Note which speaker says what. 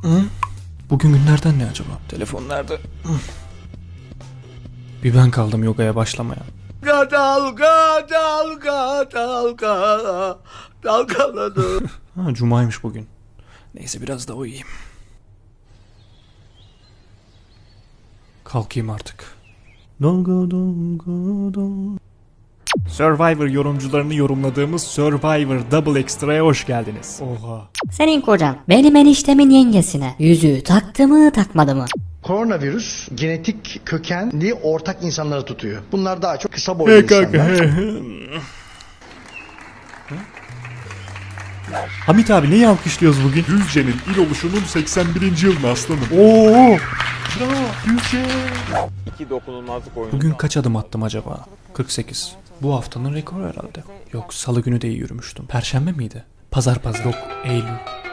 Speaker 1: Bugün günlerden ne acaba? Telefon nerede? Bir ben kaldım yogaya başlamaya.
Speaker 2: Dalga dalga dalga dalgaladı.
Speaker 1: Ha, cumaymış bugün. Neyse biraz da uyuyayım. Kalkayım artık. Dalga dalga dalga. Survivor yorumcularını yorumladığımız Survivor Double Extra'ya hoş geldiniz. Oha.
Speaker 3: Senin kocan benim eniştemin yengesine yüzüğü taktı mı takmadı mı?
Speaker 4: Koronavirüs genetik kökenli ortak insanları tutuyor. Bunlar daha çok kısa boylu insanlar.
Speaker 1: Hamit abi neyi alkışlıyoruz bugün?
Speaker 5: Düzce'nin il oluşunun 81. yılını aslanım.
Speaker 1: Oo!
Speaker 6: İki dokunulmazlık oyunu.
Speaker 1: Bugün kaç adım attım acaba? 48. Bu haftanın rekoru herhalde. Yok, salı günü de iyi yürümüştüm. Perşembe miydi? Pazar. Yok, Eylül.